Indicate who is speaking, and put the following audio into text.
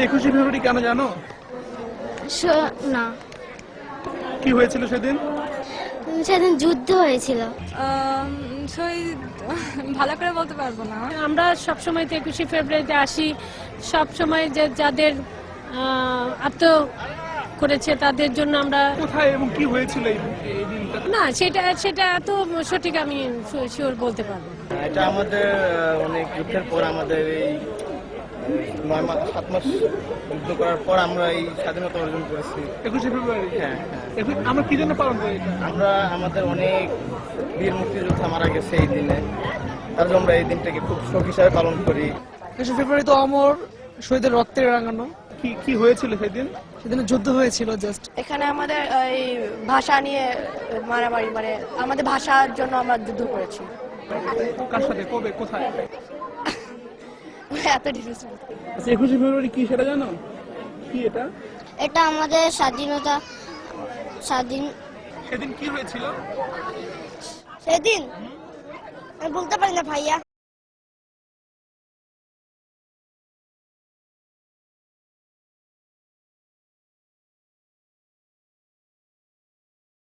Speaker 1: 21শে ফেব্রুয়ারি কেন জানো?
Speaker 2: না,
Speaker 1: কি হয়েছিল সেদিন?
Speaker 2: সেদিন যুদ্ধ হয়েছিল।
Speaker 3: শহীদ ভালো করে বলতে পারবো না।
Speaker 4: আমরা সবসময় 21শে ফেব্রুয়ারিতে আসি, সবসময় যে যাদের আত্ম করেছে তাদের জন্য আমরা।
Speaker 1: কোথায় এবং কি হয়েছিল এই দিনটা?
Speaker 4: না, সেটা এত সঠিক আমি শিওর বলতে পারবো না।
Speaker 5: এটা আমাদের অনেক যুদ্ধের পর, আমাদের এই 7 মাস যুদ্ধ করার পর আমরা এই স্বাধীনতা অর্জন করেছি।
Speaker 1: 21শে ফেব্রুয়ারি।
Speaker 5: হ্যাঁ,
Speaker 1: আমরা কি জন্য পালন করি এটা?
Speaker 5: আমরা আমাদের অনেক বীর মুক্তিযোদ্ধা মারা গেছে এই দিনে, তার জন্য আমরা এই দিনটাকে খুব শোক হিসাবে পালন করি।
Speaker 6: 21শে ফেব্রুয়ারি তো অমর শহীদের রক্তের রাঙানো।
Speaker 1: কি হয়েছিল সেদিন?
Speaker 6: সেদিন যুদ্ধ হয়েছিল জাস্ট।
Speaker 7: এখানে আমাদের এই ভাষা নিয়ে মারামারি, মানে আমাদের ভাষার জন্য আমরা যুদ্ধ করেছি।
Speaker 1: কার সাথে, কবে, কোথায়?
Speaker 7: এত ডিটেলস।
Speaker 1: 21শে ফেব্রুয়ারি কি সেটা জানো? কি এটা?
Speaker 2: এটা আমাদের
Speaker 1: সেদিন কি হয়েছিল?
Speaker 2: সেদিন আমি বলতে পারি না ভাইয়া।